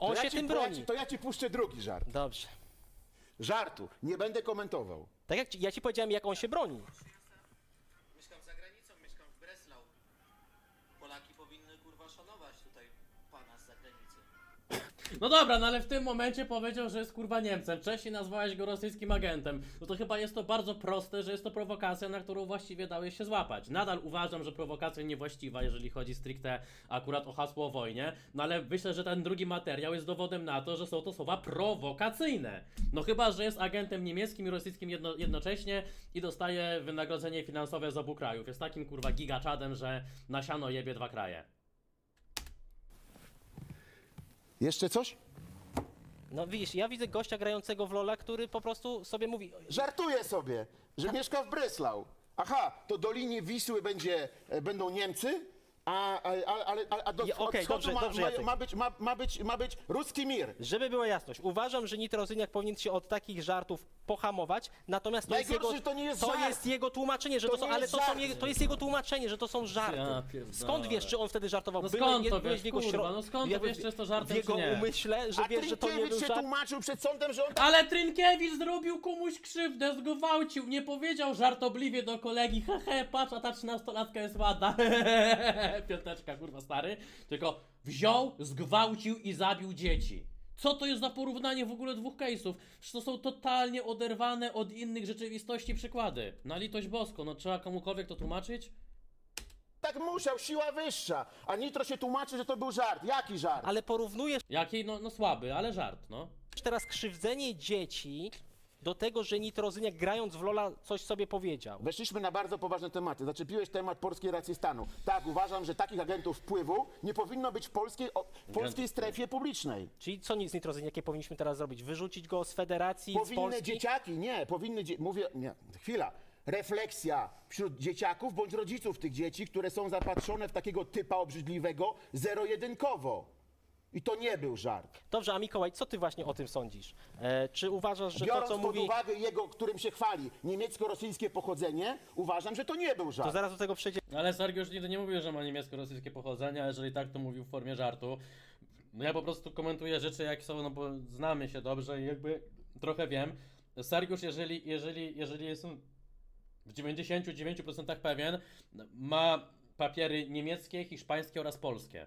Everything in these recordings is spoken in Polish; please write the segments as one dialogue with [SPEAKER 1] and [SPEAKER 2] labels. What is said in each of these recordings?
[SPEAKER 1] On się tym broni.
[SPEAKER 2] To ja ci puszczę drugi żart.
[SPEAKER 1] Dobrze.
[SPEAKER 2] Żartu, nie będę komentował.
[SPEAKER 1] Tak jak ja ci powiedziałem, jak on się broni.
[SPEAKER 3] Mieszkam za granicą, mieszkam w Breslau. Polaki powinny kurwa szanować tutaj pana z zagranicy.
[SPEAKER 4] No dobra, no ale w tym momencie powiedział, że jest kurwa Niemcem. Wcześniej nazwałeś go rosyjskim agentem. No to chyba jest to bardzo proste, że jest to prowokacja, na którą właściwie dałeś się złapać. Nadal uważam, że prowokacja niewłaściwa, jeżeli chodzi stricte akurat o hasło o wojnie. No ale myślę, że ten drugi materiał jest dowodem na to, że są to słowa prowokacyjne. No chyba, że jest agentem niemieckim i rosyjskim jednocześnie i dostaje wynagrodzenie finansowe z obu krajów. Jest takim kurwa gigaczadem, że na siano jebie dwa kraje.
[SPEAKER 2] Jeszcze coś?
[SPEAKER 1] No widzisz, ja widzę gościa grającego w LoL'a, który po prostu sobie mówi...
[SPEAKER 2] Żartuję sobie, że mieszka w Breslau. Aha, to do linii Wisły będą Niemcy, a do
[SPEAKER 1] Okej,
[SPEAKER 2] wschodu
[SPEAKER 1] dobrze, Jacek.
[SPEAKER 2] ma być ruski mir.
[SPEAKER 1] Żeby była jasność, uważam, że Nitrozyniak powinien się od takich żartów pohamować, natomiast to jest
[SPEAKER 2] Najgorsze,
[SPEAKER 1] jego,
[SPEAKER 2] że to nie jest żart.
[SPEAKER 1] jest jego tłumaczenie, że
[SPEAKER 2] To
[SPEAKER 1] to są,
[SPEAKER 2] nie
[SPEAKER 1] ale
[SPEAKER 2] jest
[SPEAKER 1] to, są
[SPEAKER 2] żart.
[SPEAKER 1] jego, to jest jego tłumaczenie, że to są żarty.
[SPEAKER 4] Ja pierdolę.
[SPEAKER 1] Skąd wiesz, czy on wtedy żartował?
[SPEAKER 4] No skąd to
[SPEAKER 1] byłeś
[SPEAKER 4] wiesz,
[SPEAKER 1] w jego
[SPEAKER 4] kurwa, no skąd to
[SPEAKER 1] jakby
[SPEAKER 4] wiesz, czy jest to żartem,
[SPEAKER 1] w jego
[SPEAKER 4] czy nie?
[SPEAKER 1] umyśle, że
[SPEAKER 2] A
[SPEAKER 1] wiesz, że to nie był
[SPEAKER 2] Trynkiewicz się
[SPEAKER 1] żart?
[SPEAKER 2] tłumaczył przed sądem, że on...
[SPEAKER 4] Ale Trynkiewicz zrobił komuś krzywdę, zgwałcił, nie powiedział żartobliwie do kolegi, hehe, patrz, a ta 13-latka jest ładna, piąteczka, kurwa, stary, tylko wziął, zgwałcił i zabił dzieci. Co to jest za porównanie w ogóle dwóch case'ów? Przecież to są totalnie oderwane od innych rzeczywistości przykłady. Na litość boską, no trzeba komukolwiek to tłumaczyć?
[SPEAKER 2] Tak musiał, siła wyższa. A Nitro się tłumaczy, że to był żart. Jaki żart?
[SPEAKER 1] Ale porównujesz
[SPEAKER 4] Jaki? No słaby, ale żart, no.
[SPEAKER 1] teraz krzywdzenie dzieci do tego, że Nitrozyniak grając w LoL'a coś sobie powiedział.
[SPEAKER 2] Weszliśmy na bardzo poważne tematy. Zaczepiłeś temat polskiej racji stanu. Tak, uważam, że takich agentów wpływu nie powinno być w polskiej strefie publicznej.
[SPEAKER 1] Czyli co z Nitrozyniakiem powinniśmy teraz zrobić? Wyrzucić go z federacji, z
[SPEAKER 2] Powinny
[SPEAKER 1] Polski?
[SPEAKER 2] dzieciaki, nie, mówię, nie, chwila. Refleksja wśród dzieciaków bądź rodziców tych dzieci, które są zapatrzone w takiego typa obrzydliwego zero-jedynkowo. I to nie był żart.
[SPEAKER 1] Dobrze, a Mikołaj, co ty właśnie o tym sądzisz? Czy uważasz, że
[SPEAKER 2] Biorąc
[SPEAKER 1] to, co
[SPEAKER 2] pod
[SPEAKER 1] mówi...
[SPEAKER 2] uwagę jego, którym się chwali, niemiecko-rosyjskie pochodzenie, uważam, że to nie był żart.
[SPEAKER 1] To zaraz do tego przejdziemy.
[SPEAKER 4] Ale Sergiusz nigdy nie mówił, że ma niemiecko-rosyjskie pochodzenie, a jeżeli tak, to mówił w formie żartu. No ja po prostu komentuję rzeczy jak są, no bo znamy się dobrze i jakby trochę wiem. Sergiusz, jeżeli jestem w 99% pewien, ma papiery niemieckie, hiszpańskie oraz polskie.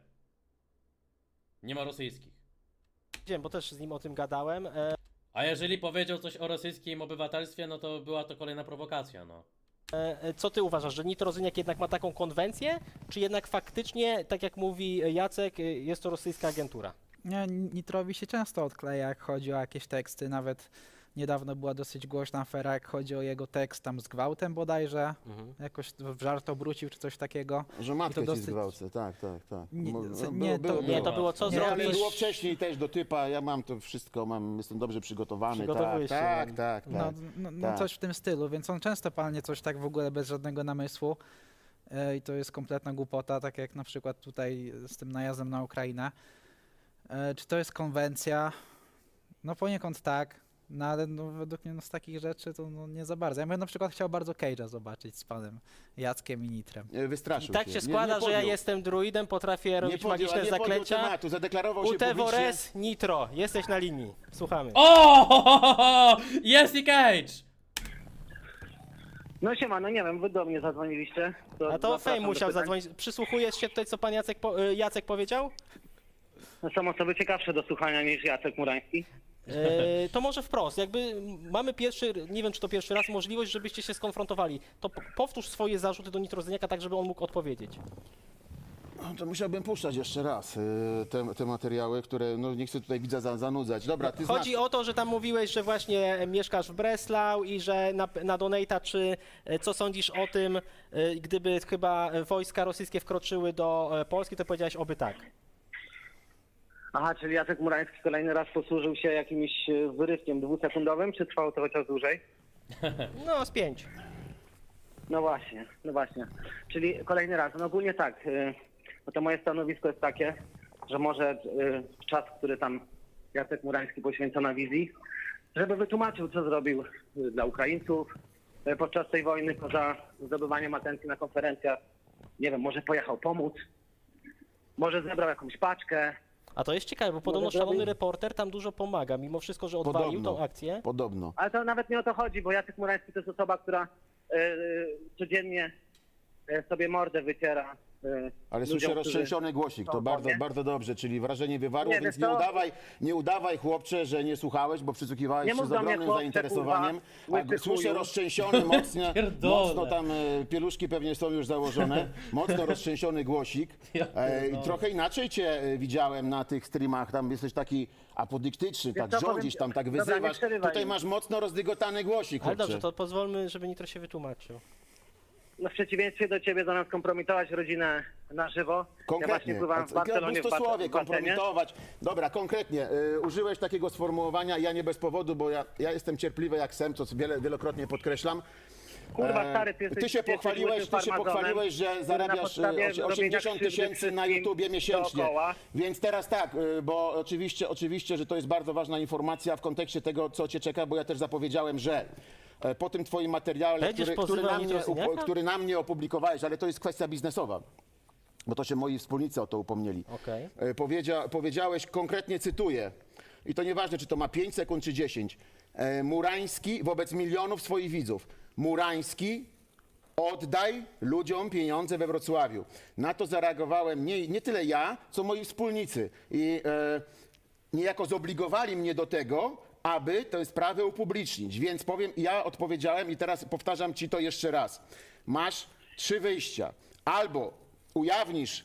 [SPEAKER 4] Nie ma rosyjskich.
[SPEAKER 1] Bo też z nim o tym gadałem.
[SPEAKER 4] A jeżeli powiedział coś o rosyjskim obywatelstwie, no to była to kolejna prowokacja, no.
[SPEAKER 1] Co ty uważasz, że Nitrozyniak jednak ma taką konwencję, czy jednak faktycznie, tak jak mówi Jacek, jest to rosyjska agentura?
[SPEAKER 5] Nie, Nitrowi się często odkleja, jak chodzi o jakieś teksty. Nawet niedawno była dosyć głośna afera, jak chodzi o jego tekst tam z gwałtem bodajże. Jakoś w żart obrócił czy coś takiego.
[SPEAKER 2] Że matkę
[SPEAKER 5] to
[SPEAKER 2] ci zgwałcę, tak.
[SPEAKER 5] Nie,
[SPEAKER 2] No,
[SPEAKER 1] Nie, to było co
[SPEAKER 2] Nie, ale
[SPEAKER 1] zrobić.
[SPEAKER 2] było wcześniej też do typa, ja mam to wszystko, jestem dobrze przygotowany.
[SPEAKER 1] Przygotowujesz się,
[SPEAKER 2] Tak.
[SPEAKER 5] No
[SPEAKER 2] Tak.
[SPEAKER 5] coś w tym stylu, więc on często palnie coś tak w ogóle bez żadnego namysłu. I to jest kompletna głupota, tak jak na przykład tutaj z tym najazdem na Ukrainę. Czy to jest konwencja? No poniekąd tak. No ale no, według mnie no, z takich rzeczy to no, nie za bardzo. Ja bym na przykład chciał bardzo Cage'a zobaczyć z panem Jackiem i Nitrem.
[SPEAKER 2] Wystraszył
[SPEAKER 1] I tak się składa,
[SPEAKER 2] nie
[SPEAKER 1] że ja
[SPEAKER 2] podjął.
[SPEAKER 1] jestem druidem, potrafię robić magiczne
[SPEAKER 2] nie podjął
[SPEAKER 1] zaklęcia.
[SPEAKER 2] tematu, zadeklarował się publicznie.
[SPEAKER 1] Utevores Nitro, jesteś na linii. Słuchamy.
[SPEAKER 4] O! Jest i Cage!
[SPEAKER 6] No siema, no nie wiem, wy do mnie zadzwoniliście.
[SPEAKER 1] A to
[SPEAKER 6] zapraszam
[SPEAKER 1] Fame
[SPEAKER 6] do
[SPEAKER 1] musiał
[SPEAKER 6] pytań.
[SPEAKER 1] zadzwonić. Przysłuchujesz się tutaj, co pan Jacek powiedział?
[SPEAKER 6] No, są osoby ciekawsze do słuchania niż Jacek Murański.
[SPEAKER 1] To może wprost, jakby mamy pierwszy, nie wiem czy to pierwszy raz, możliwość, żebyście się skonfrontowali. To powtórz swoje zarzuty do Nitrozyniaka tak, żeby on mógł odpowiedzieć.
[SPEAKER 2] No, to musiałbym puszczać jeszcze raz te materiały, które no, nie chcę tutaj widza zanudzać. Dobra, ty
[SPEAKER 1] Chodzi
[SPEAKER 2] znasz.
[SPEAKER 1] o to, że tam mówiłeś, że właśnie mieszkasz w Breslau i że na Donate'a, czy co sądzisz o tym, gdyby chyba wojska rosyjskie wkroczyły do Polski, to powiedziałeś oby tak.
[SPEAKER 6] Aha, czyli Jacek Murański kolejny raz posłużył się jakimś wyrywkiem dwusekundowym, czy trwało to chociaż dłużej?
[SPEAKER 1] No, z 5.
[SPEAKER 6] No właśnie. Czyli kolejny raz. No ogólnie tak, no to moje stanowisko jest takie, że może czas, który tam Jacek Murański poświęca na wizji, żeby wytłumaczył, co zrobił dla Ukraińców podczas tej wojny, poza zdobywaniem atencji na konferencjach. Nie wiem, może pojechał pomóc, może zebrał jakąś paczkę,
[SPEAKER 1] A to jest ciekawe, bo podobno
[SPEAKER 6] Może
[SPEAKER 1] szalony
[SPEAKER 6] zrobi-
[SPEAKER 1] reporter tam dużo pomaga, mimo wszystko, że odwalił
[SPEAKER 2] Podobno.
[SPEAKER 1] tą akcję.
[SPEAKER 2] Podobno.
[SPEAKER 6] Ale to nawet nie o to chodzi, bo Jacek Murański to jest osoba, która codziennie sobie mordę wyciera.
[SPEAKER 2] Ale
[SPEAKER 6] ludziom,
[SPEAKER 2] słyszę
[SPEAKER 6] którzy-
[SPEAKER 2] roztrzęsiony głosik, to
[SPEAKER 6] są
[SPEAKER 2] bardzo,
[SPEAKER 6] w tobie.
[SPEAKER 2] bardzo dobrze, czyli wrażenie wywarło,
[SPEAKER 6] Nie,
[SPEAKER 2] więc
[SPEAKER 6] wiesz co?
[SPEAKER 2] nie udawaj chłopcze, że nie słuchałeś, bo przysłuchiwałeś
[SPEAKER 6] Nie
[SPEAKER 2] się
[SPEAKER 6] mów
[SPEAKER 2] z
[SPEAKER 6] do mnie,
[SPEAKER 2] ogromnym
[SPEAKER 6] chłopcze,
[SPEAKER 2] zainteresowaniem.
[SPEAKER 6] kurwa,
[SPEAKER 2] A
[SPEAKER 6] łysy
[SPEAKER 2] słyszę
[SPEAKER 6] chuju.
[SPEAKER 2] roztrzęsiony,
[SPEAKER 4] Pierdolę.
[SPEAKER 2] mocno tam pieluszki pewnie są już założone, mocno roztrzęsiony głosik.
[SPEAKER 4] Ja pierdolę.
[SPEAKER 2] Trochę inaczej cię widziałem na tych streamach, tam jesteś taki apodyktyczny,
[SPEAKER 6] Wiesz
[SPEAKER 2] tak
[SPEAKER 6] co, powiem
[SPEAKER 2] rządzisz,
[SPEAKER 6] ci-
[SPEAKER 2] tam tak
[SPEAKER 6] Dobra, nie
[SPEAKER 2] wyzywasz.
[SPEAKER 6] przerywaj
[SPEAKER 2] Tutaj
[SPEAKER 6] mi.
[SPEAKER 2] masz mocno rozdygotany głosik,
[SPEAKER 1] Ale
[SPEAKER 2] chłopcze.
[SPEAKER 1] dobrze, to pozwólmy, żeby Nitro się wytłumaczył.
[SPEAKER 6] No w przeciwieństwie do ciebie, zamiast kompromitować rodzinę na żywo, ja właśnie
[SPEAKER 2] Konkretnie.
[SPEAKER 6] pływałem w Barcelonie w
[SPEAKER 2] Pustosłowie,
[SPEAKER 6] basenie.
[SPEAKER 2] kompromitować. Dobra, konkretnie. Użyłeś takiego sformułowania, ja nie bez powodu, bo ja jestem cierpliwy jak sem, co wielokrotnie podkreślam.
[SPEAKER 6] Kurwa, stary, ty
[SPEAKER 2] Ty
[SPEAKER 6] jesteś-
[SPEAKER 2] się
[SPEAKER 6] ty jesteś
[SPEAKER 2] pochwaliłeś,
[SPEAKER 6] farmazonem,
[SPEAKER 2] że
[SPEAKER 6] który na
[SPEAKER 2] zarabiasz
[SPEAKER 6] podstawie robienia
[SPEAKER 2] 80
[SPEAKER 6] krzywdy
[SPEAKER 2] tysięcy na
[SPEAKER 6] wszystkim
[SPEAKER 2] YouTubie miesięcznie.
[SPEAKER 6] dookoła.
[SPEAKER 2] Więc teraz tak, bo oczywiście, że to jest bardzo ważna informacja w kontekście tego, co cię czeka, bo ja też zapowiedziałem, że po tym twoim materiale,
[SPEAKER 1] Będziesz pozywał Nitrozyniaka?
[SPEAKER 2] który na mnie opublikowałeś, ale to jest kwestia biznesowa, bo to się moi wspólnicy o to upomnieli.
[SPEAKER 1] Okej.
[SPEAKER 2] Powiedziałeś, konkretnie cytuję, i to nieważne, czy to ma 5 sekund, czy 10. Murański wobec milionów swoich widzów. Murański, oddaj ludziom pieniądze we Wrocławiu. Na to zareagowałem nie tyle ja, co moi wspólnicy. I niejako zobligowali mnie do tego, aby tę sprawę upublicznić. Więc ja odpowiedziałem i teraz powtarzam ci to jeszcze raz. Masz 3 wyjścia. Albo ujawnisz,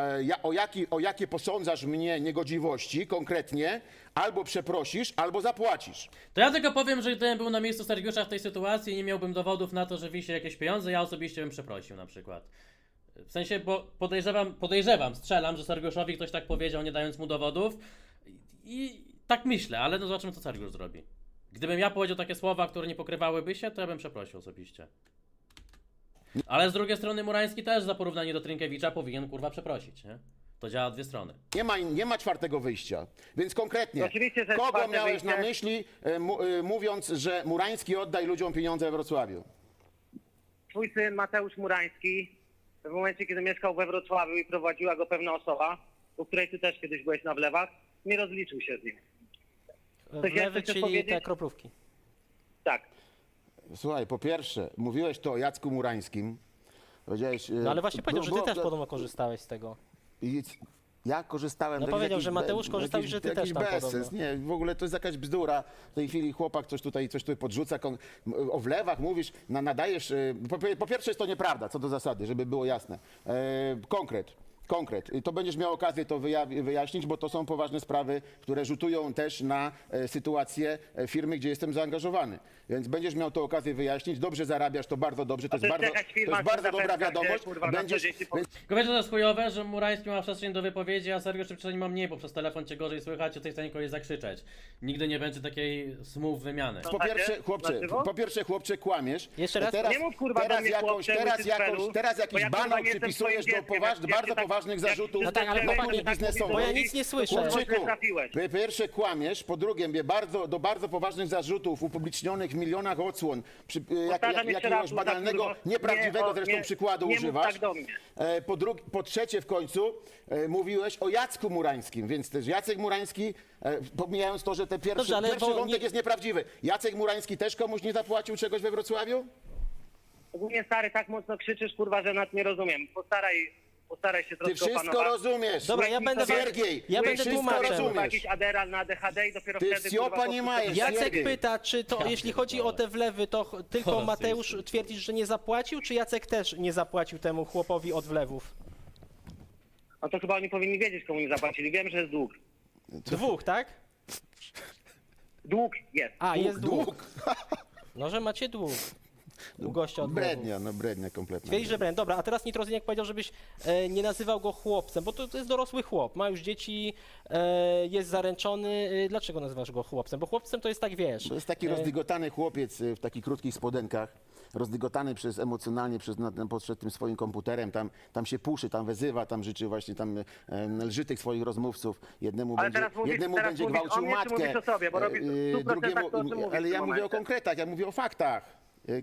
[SPEAKER 2] o jakie posądzasz mnie niegodziwości konkretnie, albo przeprosisz, albo zapłacisz.
[SPEAKER 4] To ja tylko powiem, że gdybym był na miejscu Sergiusza w tej sytuacji i nie miałbym dowodów na to, że wisi jakieś pieniądze, ja osobiście bym przeprosił na przykład. W sensie, bo podejrzewam, strzelam, że Sergiuszowi ktoś tak powiedział, nie dając mu dowodów i tak myślę, ale no zobaczymy, co Sergiusz zrobi. Gdybym ja powiedział takie słowa, które nie pokrywałyby się, to ja bym przeprosił osobiście. Ale z drugiej strony Murański też za porównanie do Trynkiewicza powinien kurwa przeprosić, nie? To działa w dwie strony.
[SPEAKER 2] Nie ma czwartego wyjścia. Więc konkretnie,
[SPEAKER 6] Oczywiście, że jest
[SPEAKER 2] kogo
[SPEAKER 6] czwarte
[SPEAKER 2] miałeś na
[SPEAKER 6] wyjście.
[SPEAKER 2] myśli, mówiąc, że Murański oddaj ludziom pieniądze we Wrocławiu?
[SPEAKER 6] Twój syn Mateusz Murański, w momencie, kiedy mieszkał we Wrocławiu i prowadziła go pewna osoba, u której ty też kiedyś byłeś na wlewach, nie rozliczył się z nim.
[SPEAKER 1] Wlewy,
[SPEAKER 6] jeszcze chcesz
[SPEAKER 1] czyli
[SPEAKER 6] powiedzieć?
[SPEAKER 1] te kroplówki.
[SPEAKER 6] Tak.
[SPEAKER 2] Słuchaj, po pierwsze, mówiłeś to o Jacku Murańskim. Powiedziałeś,
[SPEAKER 1] No ale właśnie powiedział, że ty
[SPEAKER 2] było-
[SPEAKER 1] też podobno korzystałeś z tego.
[SPEAKER 2] Ja korzystałem.
[SPEAKER 1] No
[SPEAKER 2] to jest
[SPEAKER 1] powiedział,
[SPEAKER 2] jakiś
[SPEAKER 1] że Mateusz
[SPEAKER 2] be-
[SPEAKER 1] korzystał i
[SPEAKER 2] jakiś-
[SPEAKER 1] że ty
[SPEAKER 2] jakiś
[SPEAKER 1] też tam
[SPEAKER 2] bezsens.
[SPEAKER 1] podobno.
[SPEAKER 2] Nie, w ogóle to jest jakaś bzdura. W tej chwili chłopak coś tutaj podrzuca. O wlewach mówisz, nadajesz. Po pierwsze jest to nieprawda, co do zasady, żeby było jasne. Konkret. I to będziesz miał okazję to wyjaśnić, bo to są poważne sprawy, które rzutują też na sytuację firmy, gdzie jestem zaangażowany. Więc będziesz miał to okazję wyjaśnić. Dobrze zarabiasz, to bardzo dobrze. To
[SPEAKER 6] to
[SPEAKER 2] jest
[SPEAKER 6] jest jakaś firma,
[SPEAKER 2] bardzo
[SPEAKER 6] która
[SPEAKER 2] dobra
[SPEAKER 6] zapewnia,
[SPEAKER 2] wiadomość.
[SPEAKER 6] że, kurwa, na co dzień się
[SPEAKER 4] Tylko wiecie, co to jest chujowe, że Murański ma przestrzeń do wypowiedzi, a Sergiusz przynajmniej ma mniej, bo przez telefon cię gorzej słychać, jesteś w stanie kogoś zakrzyczeć. Nigdy nie będzie takiej smooth wymiany.
[SPEAKER 2] Po pierwsze, chłopcze, kłamiesz.
[SPEAKER 1] Jeszcze raz?
[SPEAKER 2] Teraz,
[SPEAKER 6] Nie mów, kurwa, do mnie, chłopcze, łysy cfelu,
[SPEAKER 2] teraz
[SPEAKER 6] bo
[SPEAKER 2] jakiś
[SPEAKER 6] ja, kurwa,
[SPEAKER 2] banał
[SPEAKER 6] nie jestem
[SPEAKER 2] przypisujesz
[SPEAKER 6] twoim
[SPEAKER 2] do
[SPEAKER 6] dzieckiem, jak
[SPEAKER 2] bardzo
[SPEAKER 6] się tak-
[SPEAKER 2] poważnych
[SPEAKER 6] jak
[SPEAKER 2] zarzutów.
[SPEAKER 6] się
[SPEAKER 1] tak, ale
[SPEAKER 6] zaczęłeś,
[SPEAKER 1] chłopaki,
[SPEAKER 6] to tak
[SPEAKER 2] biznesowych.
[SPEAKER 1] Bo ja
[SPEAKER 6] mówisz,
[SPEAKER 1] nic nie słyszę.
[SPEAKER 6] to kurwa,
[SPEAKER 2] Chłopczyku,
[SPEAKER 6] źle trafiłeś.
[SPEAKER 2] po pierwsze kłamiesz, po drugie do bardzo poważnych zarzutów upublicznionych w milionach odsłon,
[SPEAKER 6] Powtarzam jeszcze
[SPEAKER 2] jakiegoś
[SPEAKER 6] raz,
[SPEAKER 2] banalnego,
[SPEAKER 6] kurwa,
[SPEAKER 2] nieprawdziwego zresztą
[SPEAKER 6] nie
[SPEAKER 2] przykładu
[SPEAKER 6] mów
[SPEAKER 2] używasz.
[SPEAKER 6] tak do mnie.
[SPEAKER 2] Po trzecie w końcu mówiłeś o Jacku Murańskim, więc też Jacek Murański, pomijając to, że ten
[SPEAKER 1] Dobrze,
[SPEAKER 2] pierwszy
[SPEAKER 1] ale bo
[SPEAKER 2] wątek
[SPEAKER 1] nie-
[SPEAKER 2] jest nieprawdziwy, Jacek Murański też komuś nie zapłacił czegoś we Wrocławiu?
[SPEAKER 6] Ogólnie, stary, tak mocno krzyczysz, kurwa, że nas nie rozumiem. Postaraj się
[SPEAKER 2] Ty
[SPEAKER 6] troszkę
[SPEAKER 2] wszystko
[SPEAKER 6] opanować.
[SPEAKER 2] rozumiesz.
[SPEAKER 1] Dobra, ja będę
[SPEAKER 2] Siergiej,
[SPEAKER 1] ja
[SPEAKER 2] ty
[SPEAKER 1] będę
[SPEAKER 2] wszystko
[SPEAKER 1] tłumaczem.
[SPEAKER 6] Kurwa,
[SPEAKER 2] rozumiesz.
[SPEAKER 6] jakiś Adderall na ADHD i dopiero
[SPEAKER 2] Ty
[SPEAKER 6] wtedy,
[SPEAKER 2] wsiopa
[SPEAKER 6] kurwa,
[SPEAKER 2] nie
[SPEAKER 6] po
[SPEAKER 2] majesz.
[SPEAKER 6] prostu-
[SPEAKER 1] Jacek
[SPEAKER 2] Siergiej.
[SPEAKER 1] pyta, czy to, jeśli chodzi o te wlewy, to tylko
[SPEAKER 4] Rosyjski.
[SPEAKER 1] Mateusz twierdzisz, że nie zapłacił, czy Jacek też nie zapłacił temu chłopowi od wlewów?
[SPEAKER 6] No to chyba oni powinni wiedzieć, komu nie zapłacili. Wiem, że jest dług.
[SPEAKER 1] Dwóch, tak?
[SPEAKER 6] Dług jest.
[SPEAKER 1] A, jest dług.
[SPEAKER 2] Dług.
[SPEAKER 1] No, że macie dług. U gościa od wlewów.
[SPEAKER 2] Brednia kompletna.
[SPEAKER 1] Twierdzi, że brand. Dobra, a teraz Nitrozyniak powiedział, żebyś nie nazywał go chłopcem, bo to jest dorosły chłop, ma już dzieci, jest zaręczony. Dlaczego nazywasz go chłopcem? Bo chłopcem to jest tak, wiesz.
[SPEAKER 2] To jest taki rozdygotany chłopiec w takich krótkich spodenkach, rozdygotany emocjonalnie przed tym swoim komputerem, tam się puszy, tam wezywa, tam życzy właśnie, lży tych swoich rozmówców. Jednemu
[SPEAKER 6] Ale
[SPEAKER 2] będzie,
[SPEAKER 6] teraz mówisz-
[SPEAKER 2] jednemu
[SPEAKER 6] teraz
[SPEAKER 2] będzie
[SPEAKER 6] mówisz o
[SPEAKER 2] gwałcił
[SPEAKER 6] mnie, czy
[SPEAKER 2] matkę,
[SPEAKER 6] mówisz o sobie? Bo robisz w 100% to, o czym mówisz
[SPEAKER 2] ale
[SPEAKER 6] w
[SPEAKER 2] ja
[SPEAKER 6] tym
[SPEAKER 2] mówię o
[SPEAKER 6] momencie.
[SPEAKER 2] konkretach, ja mówię o faktach.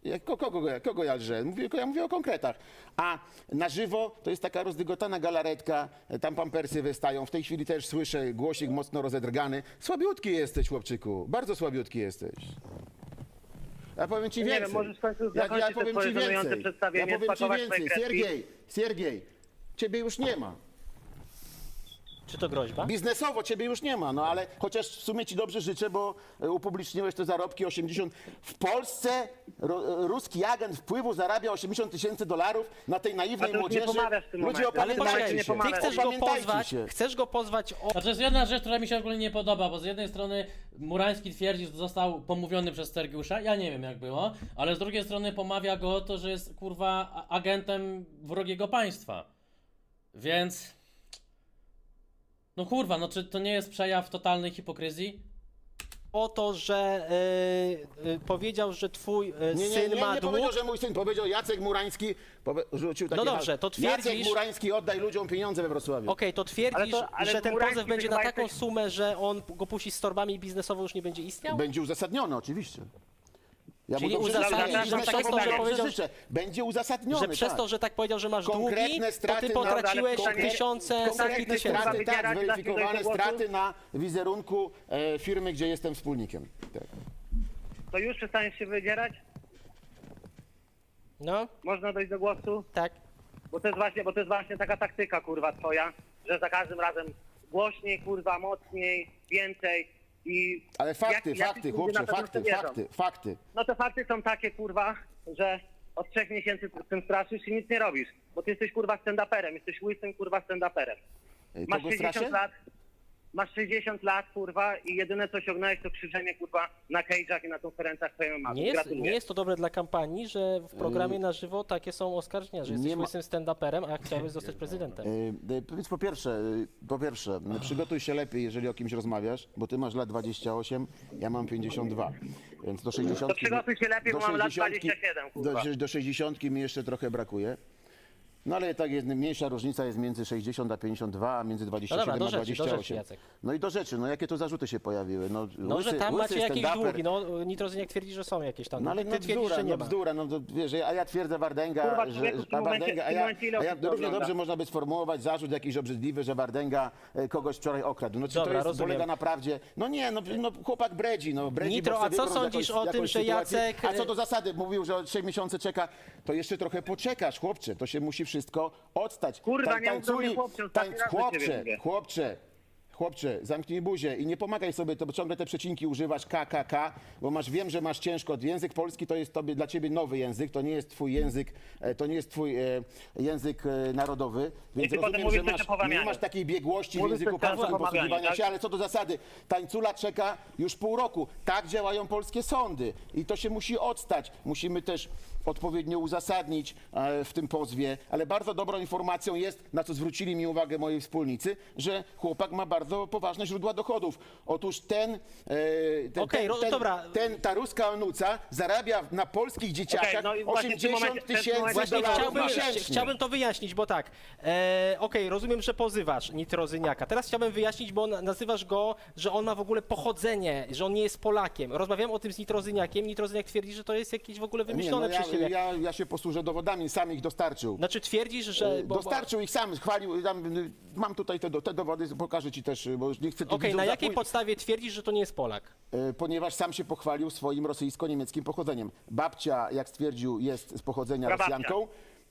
[SPEAKER 2] Kogo ja lżę? Ja mówię o konkretach. A na żywo to jest taka rozdygotana galaretka, tam pampersy wystają. W tej chwili też słyszę głosik mocno rozedrgany. Słabiutki jesteś, chłopczyku. Bardzo słabiutki jesteś. Ja powiem ci
[SPEAKER 6] Nie
[SPEAKER 2] więcej.
[SPEAKER 6] wiem, możesz w końcu
[SPEAKER 2] ja
[SPEAKER 6] zakończyć te
[SPEAKER 2] powiem
[SPEAKER 6] swoje
[SPEAKER 2] ci
[SPEAKER 6] żenujące
[SPEAKER 2] więcej.
[SPEAKER 6] przedstawienie,
[SPEAKER 2] Ja powiem ci
[SPEAKER 6] spakować
[SPEAKER 2] więcej.
[SPEAKER 6] swoje kredki.
[SPEAKER 2] Siergiej, ciebie już nie ma.
[SPEAKER 1] Czy to groźba?
[SPEAKER 2] Biznesowo ciebie już nie ma, no ale chociaż w sumie ci dobrze życzę, bo upubliczniłeś te zarobki 80. W Polsce ruski agent wpływu zarabia $80,000 na tej
[SPEAKER 6] A
[SPEAKER 2] naiwnej
[SPEAKER 6] ty już nie
[SPEAKER 2] młodzieży.
[SPEAKER 6] pomawiasz w tym
[SPEAKER 2] Ludzie,
[SPEAKER 6] momencie.
[SPEAKER 1] Ale
[SPEAKER 2] opamiętajcie
[SPEAKER 1] poczekaj,
[SPEAKER 6] nie
[SPEAKER 2] się.
[SPEAKER 1] ty
[SPEAKER 6] pomawiasz.
[SPEAKER 1] chcesz go pozwać o...
[SPEAKER 4] Znaczy jest jedna rzecz, która mi się ogólnie nie podoba, bo z jednej strony Murański twierdzi, że został pomówiony przez Sergiusza, ja nie wiem jak było, ale z drugiej strony pomawia go o to, że jest kurwa agentem wrogiego państwa. Więc... No kurwa, no czy to nie jest przejaw totalnej hipokryzji?
[SPEAKER 1] o to, że powiedział, że twój
[SPEAKER 2] Nie
[SPEAKER 1] syn ma dług.
[SPEAKER 2] powiedział, że mój syn, powiedział Jacek Murański, rzucił takie
[SPEAKER 1] No dobrze, to
[SPEAKER 2] Jacek
[SPEAKER 1] twierdzisz-
[SPEAKER 2] Murański, oddaj ludziom pieniądze we Wrocławiu.
[SPEAKER 1] Okej, to twierdzisz,
[SPEAKER 6] ale
[SPEAKER 1] że ten
[SPEAKER 6] Murański
[SPEAKER 1] pozew będzie na
[SPEAKER 6] chyba
[SPEAKER 1] taką
[SPEAKER 6] jesteś-
[SPEAKER 1] sumę, że on go puści z torbami i biznesowo już nie będzie istniał?
[SPEAKER 2] Będzie uzasadnione, oczywiście. Ja
[SPEAKER 1] Czyli
[SPEAKER 2] dobrze
[SPEAKER 1] uzasadnisz,
[SPEAKER 2] życzę,
[SPEAKER 6] że
[SPEAKER 2] biznesowo
[SPEAKER 6] przez to, że
[SPEAKER 2] dobrze
[SPEAKER 1] powiedział-
[SPEAKER 2] życzę. Będzie uzasadnione,
[SPEAKER 1] Że przez
[SPEAKER 2] tak.
[SPEAKER 1] to, że tak powiedział, że masz długi,
[SPEAKER 2] Konkretne
[SPEAKER 1] to
[SPEAKER 2] straty
[SPEAKER 1] ty
[SPEAKER 2] na-
[SPEAKER 1] potraciłeś
[SPEAKER 6] konkretne-
[SPEAKER 1] tysiące, setki
[SPEAKER 2] Konkretne
[SPEAKER 1] tysięcy.
[SPEAKER 2] straty, tak,
[SPEAKER 6] Wybierać,
[SPEAKER 2] zweryfikowane
[SPEAKER 6] dasz mi do
[SPEAKER 2] straty
[SPEAKER 6] głosu?
[SPEAKER 2] na wizerunku firmy, gdzie jestem wspólnikiem. Tak.
[SPEAKER 6] To już przestaniesz się wydzierać?
[SPEAKER 1] No,
[SPEAKER 6] Można dojść do głosu?
[SPEAKER 1] tak.
[SPEAKER 6] Bo to jest właśnie taka taktyka, kurwa, twoja, że za każdym razem głośniej, kurwa, mocniej, więcej i...
[SPEAKER 2] Ale fakty,
[SPEAKER 6] jakiś
[SPEAKER 2] fakty,
[SPEAKER 6] ludzie
[SPEAKER 2] chłopcze,
[SPEAKER 6] na pewno w to wierzą.
[SPEAKER 2] fakty.
[SPEAKER 6] No te fakty są takie, kurwa, że od 3 miesięcy z tym straszysz i nic nie robisz. Bo ty jesteś, kurwa, stand-uperem, jesteś łysym, kurwa, stand-uperem. Masz
[SPEAKER 2] Kogo straszę?
[SPEAKER 6] 60 lat, masz 60 lat, kurwa, i jedyne co osiągnąłeś to krzyżenie, kurwa, na cage'ach i na konferencjach twojej mamy.
[SPEAKER 1] Nie jest to dobre dla kampanii, że w programie na żywo takie są oskarżenia, że jesteś
[SPEAKER 2] nie ma-
[SPEAKER 1] łysym stand-uperem, a chciałbyś zostać prezydentem.
[SPEAKER 2] Więc po pierwsze, przygotuj się lepiej, jeżeli o kimś rozmawiasz, bo ty masz lat 28, ja mam 52, więc do 60...
[SPEAKER 6] To przygotuj się lepiej, bo mam lat 27, kurwa.
[SPEAKER 2] Do 60 mi jeszcze trochę brakuje. No ale tak jest, mniejsza różnica jest między 60 a 52, a między 27
[SPEAKER 1] No dobra,
[SPEAKER 2] a
[SPEAKER 1] do rzeczy,
[SPEAKER 2] 28.
[SPEAKER 1] Jacek.
[SPEAKER 2] No i do rzeczy, no jakie to zarzuty się pojawiły?
[SPEAKER 1] No, że tam macie jakieś
[SPEAKER 2] stand-uper.
[SPEAKER 1] długi, no Nitrozyniak twierdzi, że są jakieś tam.
[SPEAKER 2] No ale
[SPEAKER 1] Ty
[SPEAKER 2] no
[SPEAKER 1] twierdzisz,
[SPEAKER 2] bzdura,
[SPEAKER 1] że nie ma.
[SPEAKER 2] bzdura, no to wiesz, a ja twierdzę Wardęga,
[SPEAKER 6] Kurwa,
[SPEAKER 2] że
[SPEAKER 6] człowieku, w tym momencie-
[SPEAKER 2] a
[SPEAKER 6] w
[SPEAKER 2] ja
[SPEAKER 6] tym momencie ile osób to
[SPEAKER 2] równie
[SPEAKER 6] ogląda?
[SPEAKER 2] dobrze można by sformułować zarzut jakiś obrzydliwy, że Wardęga kogoś wczoraj okradł. No czy
[SPEAKER 1] Dobra,
[SPEAKER 2] to jest,
[SPEAKER 1] rozumiem.
[SPEAKER 2] polega na prawdzie? No nie, no chłopak bredzi,
[SPEAKER 1] Nitro,
[SPEAKER 2] bo
[SPEAKER 1] a
[SPEAKER 2] chce
[SPEAKER 1] co
[SPEAKER 2] wybrnąć
[SPEAKER 1] sądzisz
[SPEAKER 2] jakąś
[SPEAKER 1] o tym, że
[SPEAKER 2] sytuację.
[SPEAKER 1] Jacek-
[SPEAKER 2] A co do zasady, mówił, że od 3 miesięcy czeka, to jeszcze trochę poczekasz, chłopcze, to się musi wszystko odstać.
[SPEAKER 6] Kurwa, nie mów do mnie, chłopcze, ostatni raz do ciebie mówię.
[SPEAKER 2] Chłopcze, zamknij buzię i nie pomagaj sobie, to bo ciągle te przecinki używasz KKK, bo wiem, że masz ciężko. Język polski to jest dla ciebie nowy język, to nie jest twój język, język narodowy, więc
[SPEAKER 6] ty potem
[SPEAKER 2] rozumiem,
[SPEAKER 6] mówisz
[SPEAKER 2] że
[SPEAKER 6] coś o połamianiu.
[SPEAKER 2] nie masz takiej biegłości w
[SPEAKER 6] Mówisz
[SPEAKER 2] języku
[SPEAKER 6] coś teraz
[SPEAKER 2] polskim
[SPEAKER 6] o połamianiu,
[SPEAKER 2] posługiwania
[SPEAKER 6] tak?
[SPEAKER 2] się, ale co do zasady, tańcula czeka już pół roku. Tak działają polskie sądy i to się musi odstać. Musimy też odpowiednio uzasadnić w tym pozwie, ale bardzo dobrą informacją jest, na co zwrócili mi uwagę moi wspólnicy, że chłopak ma bardzo poważne źródła dochodów. Otóż
[SPEAKER 1] Okej, dobra.
[SPEAKER 2] ta ruska onuca zarabia na polskich dzieciakach
[SPEAKER 6] no i właśnie w tym momencie-
[SPEAKER 2] $80 tysięcy
[SPEAKER 1] Właśnie
[SPEAKER 2] dolarów miesięcznie.
[SPEAKER 1] chciałbym to wyjaśnić, bo tak, okej, rozumiem, że pozywasz Nitrozyniaka. Teraz chciałbym wyjaśnić, bo nazywasz go, że on ma w ogóle pochodzenie, że on nie jest Polakiem. Rozmawiałem o tym z Nitrozyniakiem. Nitrozyniak twierdzi, że to jest jakieś w ogóle wymyślone przez ciebie.
[SPEAKER 2] ja się posłużę dowodami, sam ich dostarczył.
[SPEAKER 1] Znaczy twierdzisz, że...
[SPEAKER 2] Dostarczył ich sam, chwalił, mam tutaj te dowody, pokażę ci też, bo już nie chcę tu
[SPEAKER 1] Okej,
[SPEAKER 2] widzów
[SPEAKER 1] na jakiej
[SPEAKER 2] zapój-
[SPEAKER 1] podstawie twierdzisz, że to nie jest Polak?
[SPEAKER 2] Ponieważ sam się pochwalił swoim rosyjsko-niemieckim pochodzeniem. Babcia, jak stwierdził, jest z pochodzenia
[SPEAKER 6] Prababcia.
[SPEAKER 2] Rosjanką.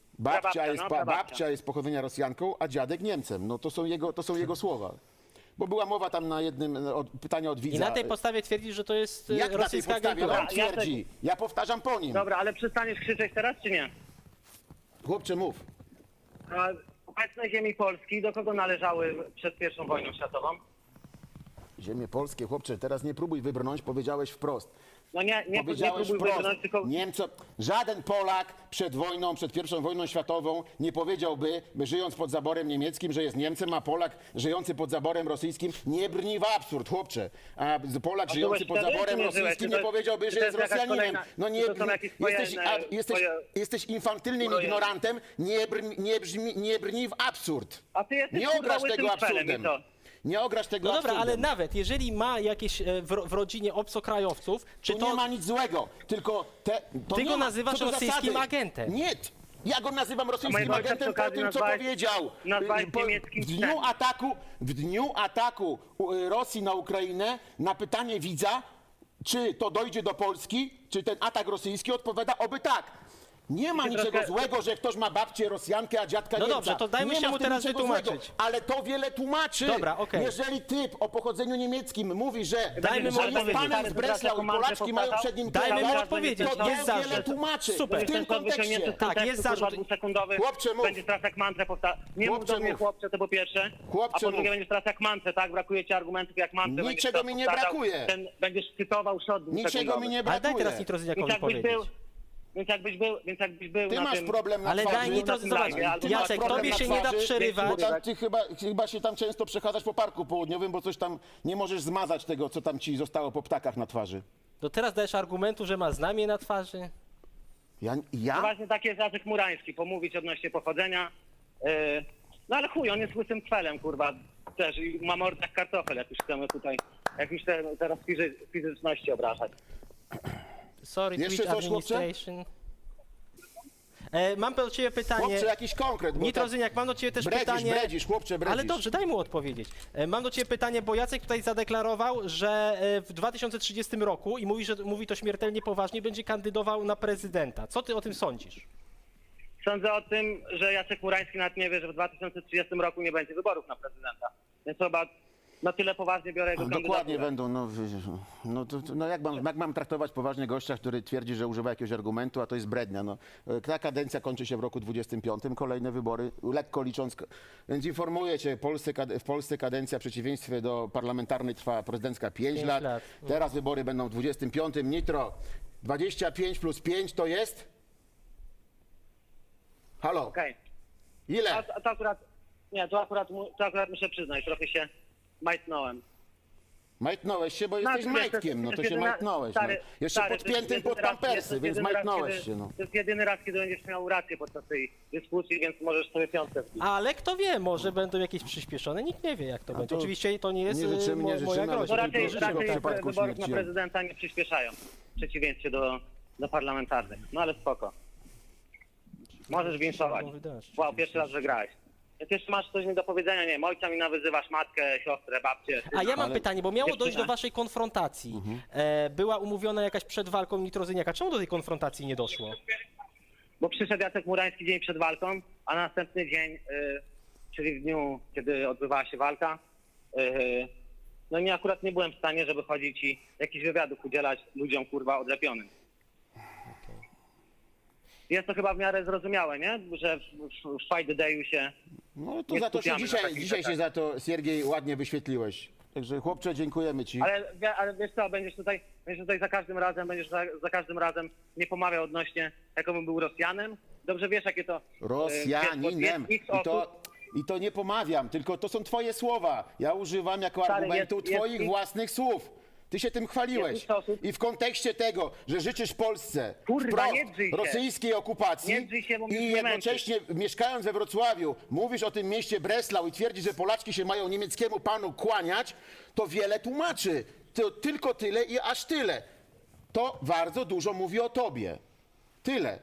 [SPEAKER 2] Babcia jest z pochodzenia Rosjanką, a dziadek Niemcem. No to są jego słowa. Bo była mowa tam na jednym pytania od widza.
[SPEAKER 1] I na tej podstawie twierdzisz, że to jest
[SPEAKER 2] Jak na tej
[SPEAKER 1] rosyjska
[SPEAKER 2] podstawie
[SPEAKER 1] agentura?
[SPEAKER 2] on twierdzi? Ja powtarzam po nim.
[SPEAKER 6] Dobra, ale przestaniesz krzyczeć teraz, czy nie?
[SPEAKER 2] Chłopcze, mów.
[SPEAKER 6] A obecne ziemi Polski do kogo należały przed I wojną światową?
[SPEAKER 2] Ziemie polskie, chłopcze, teraz nie próbuj wybrnąć, powiedziałeś wprost.
[SPEAKER 6] No nie
[SPEAKER 2] Powiedziałeś
[SPEAKER 6] próbuj
[SPEAKER 2] wprost.
[SPEAKER 6] wybrnąć, tylko...
[SPEAKER 2] Żaden Polak przed wojną, przed I wojną światową nie powiedziałby, żyjąc pod zaborem niemieckim, że jest Niemcem, a Polak żyjący pod zaborem rosyjskim nie brni w absurd, chłopcze. A Polak
[SPEAKER 6] A
[SPEAKER 2] żyjący
[SPEAKER 6] byłeś
[SPEAKER 2] pod
[SPEAKER 6] wtedy,
[SPEAKER 2] zaborem
[SPEAKER 6] czy nie byłeś?
[SPEAKER 2] rosyjskim
[SPEAKER 6] Czy
[SPEAKER 2] nie
[SPEAKER 6] to-
[SPEAKER 2] powiedziałby,
[SPEAKER 6] czy
[SPEAKER 2] że
[SPEAKER 6] to
[SPEAKER 2] jest
[SPEAKER 6] jest jakaś
[SPEAKER 2] Rosjaninem.
[SPEAKER 6] kolejna-
[SPEAKER 2] No nie,
[SPEAKER 6] czy to są jakieś twoje,
[SPEAKER 2] jesteś infantylnym
[SPEAKER 6] twoje-
[SPEAKER 2] ignorantem, nie brni w absurd.
[SPEAKER 6] A ty jesteś
[SPEAKER 2] Nie
[SPEAKER 6] kurwa
[SPEAKER 2] obraź
[SPEAKER 6] łysym
[SPEAKER 2] tego
[SPEAKER 6] szpelem
[SPEAKER 2] absurdem.
[SPEAKER 6] i co?
[SPEAKER 2] Nie ograsz tego
[SPEAKER 1] No dobra, ale
[SPEAKER 2] absurdem.
[SPEAKER 1] nawet jeżeli ma jakieś w rodzinie obcokrajowców, czy
[SPEAKER 2] Tu
[SPEAKER 1] to...
[SPEAKER 2] nie ma nic złego, tylko to
[SPEAKER 1] Ty
[SPEAKER 2] nie
[SPEAKER 1] go
[SPEAKER 2] ma,
[SPEAKER 1] nazywasz
[SPEAKER 2] co do
[SPEAKER 1] rosyjskim
[SPEAKER 2] zasady.
[SPEAKER 1] agentem.
[SPEAKER 2] Nie, ja go nazywam rosyjskim
[SPEAKER 6] mojego ojca
[SPEAKER 2] agentem
[SPEAKER 6] przy
[SPEAKER 2] po
[SPEAKER 6] okazji
[SPEAKER 2] tym, co powiedział.
[SPEAKER 6] nazwałeś niemieckim
[SPEAKER 2] W dniu ataku Rosji na Ukrainę na pytanie widza, czy to dojdzie do Polski, czy ten atak rosyjski, odpowiada oby tak. Nie ma
[SPEAKER 6] Ty
[SPEAKER 2] niczego
[SPEAKER 6] troszkę-
[SPEAKER 2] złego, że ktoś ma babcię Rosjankę, a dziadka
[SPEAKER 1] No
[SPEAKER 2] Niemca.
[SPEAKER 1] dobrze, to dajmy
[SPEAKER 2] Nie
[SPEAKER 1] się
[SPEAKER 2] ma
[SPEAKER 1] mu
[SPEAKER 2] w tym
[SPEAKER 1] teraz
[SPEAKER 2] niczego
[SPEAKER 1] wytłumaczyć.
[SPEAKER 2] złego, ale to wiele tłumaczy.
[SPEAKER 1] Dobra, okej.
[SPEAKER 2] Jeżeli typ o pochodzeniu niemieckim mówi, że
[SPEAKER 1] Dajmy mu
[SPEAKER 2] że jest
[SPEAKER 1] odpowiedzieć.
[SPEAKER 2] panem z Breslau i Polaczki mają przed nim
[SPEAKER 1] Dajmy mu
[SPEAKER 2] kierować,
[SPEAKER 1] odpowiedzieć,
[SPEAKER 2] to
[SPEAKER 1] jest
[SPEAKER 2] wiele
[SPEAKER 1] zarzut.
[SPEAKER 2] tłumaczy.
[SPEAKER 1] Super.
[SPEAKER 2] W tym kontekście.
[SPEAKER 1] Tak, jest zarzut.
[SPEAKER 6] Dwusekundowy,
[SPEAKER 2] Chłopcze, mów.
[SPEAKER 6] będziesz teraz jak mantrę powtarzał. Nie mów
[SPEAKER 2] Chłopcze,
[SPEAKER 6] do mnie
[SPEAKER 2] mów.
[SPEAKER 6] chłopcze, to po pierwsze.
[SPEAKER 2] Chłopcze,
[SPEAKER 6] a po drugie
[SPEAKER 2] mów.
[SPEAKER 6] będziesz teraz jak mantrę, tak? Brakuje ci argumentów jak mantrę. będziesz
[SPEAKER 2] Niczego
[SPEAKER 6] teraz
[SPEAKER 2] mi nie
[SPEAKER 6] powtarzał.
[SPEAKER 2] brakuje.
[SPEAKER 6] Będziesz cytował shot
[SPEAKER 2] Niczego mi nie
[SPEAKER 1] Ale
[SPEAKER 2] brakuje.
[SPEAKER 1] daj teraz
[SPEAKER 6] Więc
[SPEAKER 1] Nitrozyniakowi
[SPEAKER 6] jakbyś
[SPEAKER 1] powiedzieć.
[SPEAKER 6] był, więc jakbyś był
[SPEAKER 2] Ty
[SPEAKER 6] na
[SPEAKER 2] masz
[SPEAKER 6] tym...
[SPEAKER 2] problem na
[SPEAKER 1] Ale
[SPEAKER 2] twarzy.
[SPEAKER 1] daj Nitrozy,
[SPEAKER 6] na tym
[SPEAKER 1] zobacz,
[SPEAKER 6] live, albo
[SPEAKER 2] masz
[SPEAKER 1] Jacek,
[SPEAKER 2] problem
[SPEAKER 1] tobie
[SPEAKER 2] na
[SPEAKER 1] się nie da
[SPEAKER 2] twarzy,
[SPEAKER 1] przerywać.
[SPEAKER 2] Bo tam ty chyba się tam często przechadzasz po parku południowym, bo coś tam nie możesz zmazać tego, co tam ci zostało po ptakach na twarzy.
[SPEAKER 1] To teraz dajesz argumentu, że ma znamie na twarzy?
[SPEAKER 6] No
[SPEAKER 2] Ja?
[SPEAKER 6] właśnie taki jest Jacek Murański, pomówić odnośnie pochodzenia. No ale chuj, on jest łysym kwelem, kurwa, też i ma mordę jak kartofel, jak już chcemy tutaj, jak już teraz fizyczności obrażać.
[SPEAKER 1] Sorry,
[SPEAKER 2] Jeszcze
[SPEAKER 1] Twitch
[SPEAKER 2] coś, chłopcze?
[SPEAKER 1] Administration. Mam do ciebie pytanie.
[SPEAKER 2] Chłopcze, jakiś konkret. bo
[SPEAKER 1] Nitrozyniak, mam do ciebie też pytanie.
[SPEAKER 2] chłopcze, bredzisz.
[SPEAKER 1] Ale dobrze, daj mu odpowiedzieć. Mam do ciebie pytanie, bo Jacek tutaj zadeklarował, że w 2030 roku, i mówi, że mówi to śmiertelnie poważnie, będzie kandydował na prezydenta. Co ty o tym sądzisz?
[SPEAKER 6] Sądzę o tym, że Jacek Murański nawet nie wie, że w 2030 roku nie będzie wyborów na prezydenta. Więc chyba na tyle poważnie biorę jego
[SPEAKER 2] Dokładnie
[SPEAKER 6] kandydaturę.
[SPEAKER 2] będą, no jak mam traktować poważnie gościa, który twierdzi, że używa jakiegoś argumentu, a to jest brednia. No. Ta kadencja kończy się w roku 25, kolejne wybory, lekko licząc, więc informuję cię, w Polsce kadencja w przeciwieństwie do parlamentarnej trwa prezydencka 5 lat,
[SPEAKER 1] lat.
[SPEAKER 2] teraz wybory będą w 25. Nitro, 25 plus 5 to jest? Halo,
[SPEAKER 6] Okej.
[SPEAKER 2] ile?
[SPEAKER 6] A to akurat, nie, to akurat muszę przyznać, trochę się majtnąłem.
[SPEAKER 2] Majtnąłeś się, bo
[SPEAKER 6] No,
[SPEAKER 2] jesteś majtkiem, no to się majtnąłeś. No. Jeszcze podpiętym pod pampersy, więc majtnąłeś się. No.
[SPEAKER 6] To jest jedyny raz, kiedy będziesz miał rację podczas tej dyskusji, więc możesz sobie piątkę wbić.
[SPEAKER 1] Ale kto wie, może będą jakieś przyspieszone, nikt nie wie jak to będzie. Oczywiście to nie jest
[SPEAKER 2] nie życzymy, nie
[SPEAKER 1] moja
[SPEAKER 2] życzymy, ale
[SPEAKER 1] groźba.
[SPEAKER 6] No
[SPEAKER 2] żeby
[SPEAKER 6] raczej,
[SPEAKER 2] w żadnym
[SPEAKER 6] raczej
[SPEAKER 2] przypadku
[SPEAKER 6] wyborów na
[SPEAKER 2] śmierci.
[SPEAKER 6] prezydenta nie przyspieszają, w przeciwieństwie do parlamentarnych. No ale spoko. Możesz winszować. Wow, pierwszy raz wygrałeś. Jak jeszcze masz coś mi do powiedzenia, nie wiem, ojca mi nawyzywasz, matkę, siostrę, babcię.
[SPEAKER 1] A ja mam
[SPEAKER 2] Ale-
[SPEAKER 1] pytanie, bo miało
[SPEAKER 6] Jeszcze
[SPEAKER 1] dojść do
[SPEAKER 6] tak.
[SPEAKER 1] waszej konfrontacji. Była umówiona jakaś przed walką Nitrozyniaka. Czemu do tej konfrontacji nie doszło?
[SPEAKER 6] Bo przyszedł Jacek Murański dzień przed walką, a następny dzień, czyli w dniu, kiedy odbywała się walka, no i akurat nie byłem w stanie, żeby chodzić i jakichś wywiadów udzielać ludziom, kurwa, odlepionym. Jest to chyba w miarę zrozumiałe, nie? Że w Fight the Day'u się...
[SPEAKER 2] No to
[SPEAKER 6] Nie
[SPEAKER 2] za to się
[SPEAKER 6] skupiamy na takich
[SPEAKER 2] dzisiaj się
[SPEAKER 6] rzeczach.
[SPEAKER 2] za to, Siergiej, ładnie wyświetliłeś. Także chłopcze, dziękujemy ci.
[SPEAKER 6] Ale wiesz co, będziesz tutaj za każdym razem nie pomawiał odnośnie, jakobym był Rosjanem. Dobrze wiesz, jakie to...
[SPEAKER 2] Rosjaninem.
[SPEAKER 6] jest X osób.
[SPEAKER 2] I to nie pomawiam, tylko to są twoje słowa. Ja używam jako
[SPEAKER 6] Stary,
[SPEAKER 2] argumentu
[SPEAKER 6] jest
[SPEAKER 2] twoich
[SPEAKER 6] X-
[SPEAKER 2] własnych słów. Ty się tym chwaliłeś.
[SPEAKER 6] Jest X osób.
[SPEAKER 2] I w kontekście tego, że życzysz Polsce
[SPEAKER 6] Kurwa,
[SPEAKER 2] wprost
[SPEAKER 6] nie drzyj się.
[SPEAKER 2] rosyjskiej okupacji
[SPEAKER 6] Nie drzyj się, bo mnie
[SPEAKER 2] i
[SPEAKER 6] zmęczysz.
[SPEAKER 2] jednocześnie mieszkając we Wrocławiu mówisz o tym mieście Breslau i twierdzisz, że Polaczki się mają niemieckiemu panu kłaniać, to wiele tłumaczy. To tylko tyle i aż tyle. To bardzo dużo mówi o tobie. Tyle.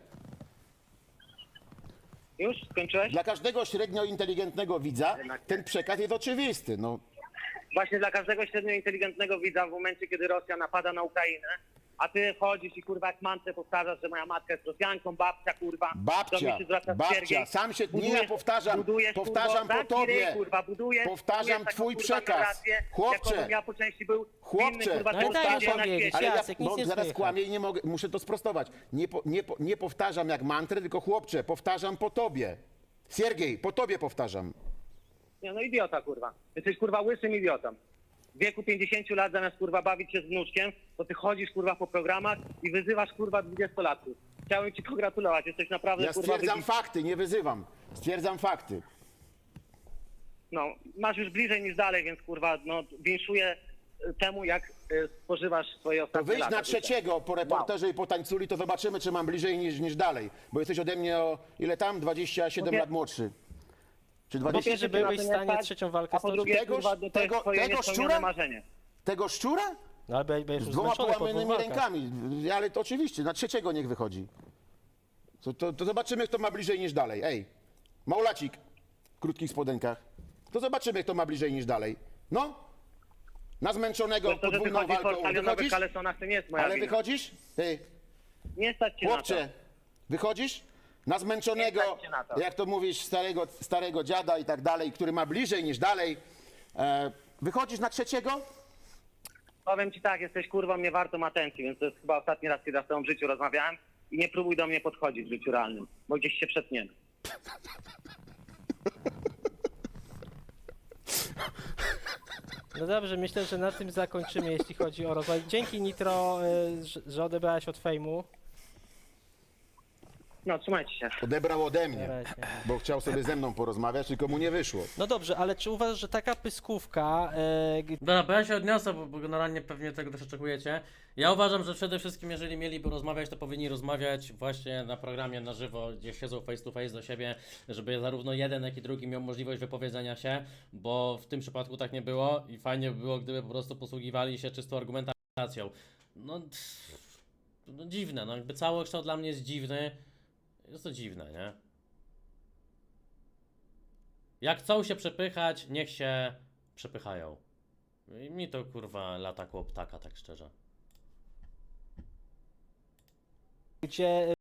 [SPEAKER 6] Już? Skończyłeś?
[SPEAKER 2] Dla każdego średnio inteligentnego widza ten przekaz jest oczywisty. No,
[SPEAKER 6] Właśnie dla każdego średnio inteligentnego widza w momencie, kiedy Rosja napada na Ukrainę, a ty chodzisz i kurwa jak mantrę powtarzasz, że moja matka jest Rosjanką, babcia kurwa. do mnie się zwraca Siergiej.
[SPEAKER 2] sam się, nie
[SPEAKER 6] Budujesz-
[SPEAKER 2] ja powtarzam,
[SPEAKER 6] budujesz,
[SPEAKER 2] powtarzam
[SPEAKER 6] kurwa,
[SPEAKER 2] po tobie.
[SPEAKER 6] ryj, kurwa, budujesz
[SPEAKER 2] Powtarzam
[SPEAKER 6] taką,
[SPEAKER 2] twój
[SPEAKER 6] kurwa,
[SPEAKER 2] przekaz.
[SPEAKER 6] narrację,
[SPEAKER 2] Chłopcze,
[SPEAKER 6] jakobym ja po części był
[SPEAKER 2] chłopcze,
[SPEAKER 6] inny, kurwa,
[SPEAKER 1] No i daj
[SPEAKER 6] człowiek na
[SPEAKER 1] powiedzieć,
[SPEAKER 6] świecie.
[SPEAKER 2] ale ja
[SPEAKER 1] Jacek, nic nie
[SPEAKER 2] zaraz
[SPEAKER 1] słychać.
[SPEAKER 2] kłamię i nie mogę, muszę to sprostować. Nie powtarzam jak mantrę, tylko chłopcze, powtarzam po tobie. Siergiej, po tobie powtarzam.
[SPEAKER 6] Nie, no idiota, kurwa. Jesteś, kurwa, łysym idiotą. W wieku 50 lat zamiast, kurwa, bawić się z wnuczkiem, to ty chodzisz, kurwa, po programach i wyzywasz, kurwa, 20-latków. Chciałem ci pogratulować, jesteś naprawdę,
[SPEAKER 2] Ja
[SPEAKER 6] kurwa,
[SPEAKER 2] stwierdzam fakty, nie wyzywam. Stwierdzam fakty.
[SPEAKER 6] No, masz już bliżej niż dalej, więc, kurwa, no, winszuję temu, jak spożywasz swoje
[SPEAKER 2] To
[SPEAKER 6] ostatnie
[SPEAKER 2] wyjdź
[SPEAKER 6] lata
[SPEAKER 2] na
[SPEAKER 6] życia.
[SPEAKER 2] trzeciego po reporterze i po tańculi, to zobaczymy, czy mam bliżej niż dalej. Bo jesteś ode mnie o ile tam? 27
[SPEAKER 6] Mówię-
[SPEAKER 2] lat młodszy. Czy
[SPEAKER 1] Bo
[SPEAKER 2] 20?
[SPEAKER 1] wiesz, że
[SPEAKER 6] pierwsze,
[SPEAKER 1] byłeś
[SPEAKER 6] na
[SPEAKER 1] w
[SPEAKER 6] to nie
[SPEAKER 1] stanie
[SPEAKER 6] stać,
[SPEAKER 1] trzecią walkę
[SPEAKER 6] A po
[SPEAKER 1] stoczyć?
[SPEAKER 6] drugie,
[SPEAKER 2] Tego-
[SPEAKER 6] kurwa, to jest
[SPEAKER 2] tego
[SPEAKER 6] twoje niespełnione
[SPEAKER 2] szczura?
[SPEAKER 6] marzenie.
[SPEAKER 2] Tego szczura?
[SPEAKER 1] No ale będziesz
[SPEAKER 2] Z
[SPEAKER 1] już
[SPEAKER 2] dwoma
[SPEAKER 1] zmęczony po dwóch
[SPEAKER 2] połamanymi
[SPEAKER 1] walkach.
[SPEAKER 2] rękami. Ale to oczywiście, na trzeciego niech wychodzi. To zobaczymy, kto ma bliżej niż dalej. Ej, Maulacik w krótkich spodenkach. To zobaczymy, kto ma bliżej niż dalej. No, na zmęczonego
[SPEAKER 6] To, że
[SPEAKER 2] podwójną
[SPEAKER 6] wychodzi w
[SPEAKER 2] walką.
[SPEAKER 6] portalionowych
[SPEAKER 2] Wychodzisz?
[SPEAKER 6] kalesonach, to nie jest moja
[SPEAKER 2] Ale
[SPEAKER 6] wina.
[SPEAKER 2] wychodzisz? Ty,
[SPEAKER 6] Nie stać cię na to.
[SPEAKER 2] chłopcze, wychodzisz? Na zmęczonego,
[SPEAKER 6] Nie stać cię na to.
[SPEAKER 2] jak to mówisz, starego dziada i tak dalej, który ma bliżej niż dalej. Wychodzisz na trzeciego?
[SPEAKER 6] Powiem ci tak, jesteś kurwą nie wartą atencji, więc to jest chyba ostatni raz, kiedy ja z tobą w życiu rozmawiałem i nie próbuj do mnie podchodzić w życiu realnym, bo gdzieś się przetniemy.
[SPEAKER 1] No dobrze, myślę, że na tym zakończymy, jeśli chodzi o rozwój. Dzięki Nitro, że odebrałeś od fejmu.
[SPEAKER 6] No, trzymajcie się.
[SPEAKER 2] Odebrał ode
[SPEAKER 1] Na
[SPEAKER 2] mnie,
[SPEAKER 1] razie.
[SPEAKER 2] bo chciał sobie ze mną porozmawiać, tylko mu nie wyszło.
[SPEAKER 1] No dobrze, ale czy uważasz, że taka pyskówka,
[SPEAKER 4] Dobra, bo ja się odniosę, bo generalnie pewnie tego też oczekujecie. Ja uważam, że przede wszystkim, jeżeli mieliby rozmawiać, to powinni rozmawiać właśnie na programie na żywo, gdzie siedzą face to face do siebie, żeby zarówno jeden, jak i drugi miał możliwość wypowiedzenia się, bo w tym przypadku tak nie było i fajnie by było, gdyby po prostu posługiwali się czystą argumentacją. No, no dziwne, no jakby całokształt dla mnie jest dziwny. Jest to dziwne, nie? Jak chcą się przepychać, niech się przepychają. I mi to kurwa lata koło ptaka, tak szczerze.
[SPEAKER 1] gdzie